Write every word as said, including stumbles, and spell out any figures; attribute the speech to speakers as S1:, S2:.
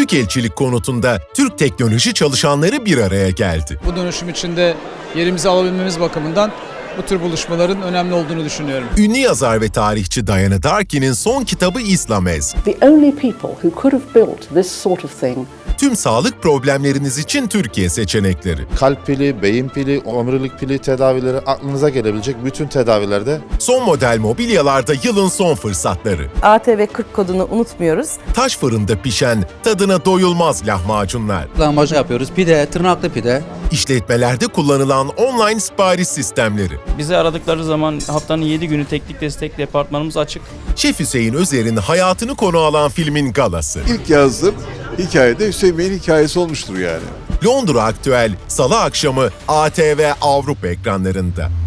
S1: Büyükelçilik konutunda Türk teknoloji çalışanları bir araya geldi.
S2: Bu dönüşüm içinde yerimizi alabilmemiz bakımından bu tür buluşmaların önemli olduğunu düşünüyorum.
S1: Ünlü yazar ve tarihçi Diana Darkin'in son kitabı İslamez.
S3: The only people who could have built this sort of thing.
S1: Tüm sağlık problemleriniz için Türkiye seçenekleri.
S4: Kalp pili, beyin pili, omurilik pili tedavileri, aklınıza gelebilecek bütün tedavilerde.
S1: Son model mobilyalarda yılın son fırsatları.
S5: A T V kırk kodunu unutmuyoruz.
S1: Taş fırında pişen, tadına doyulmaz lahmacunlar.
S6: Lahmacun yapıyoruz. Pide, tırnaklı pide.
S1: İşletmelerde kullanılan online sipariş sistemleri.
S7: Bizi aradıkları zaman haftanın yedi günü teknik destek departmanımız açık.
S1: Şef Hüseyin Özer'in hayatını konu alan filmin galası.
S8: İlk yazdığım hikayede Hüseyin Bey'in hikayesi olmuştur yani.
S1: Londra Aktüel, Salı akşamı A T V Avrupa ekranlarında.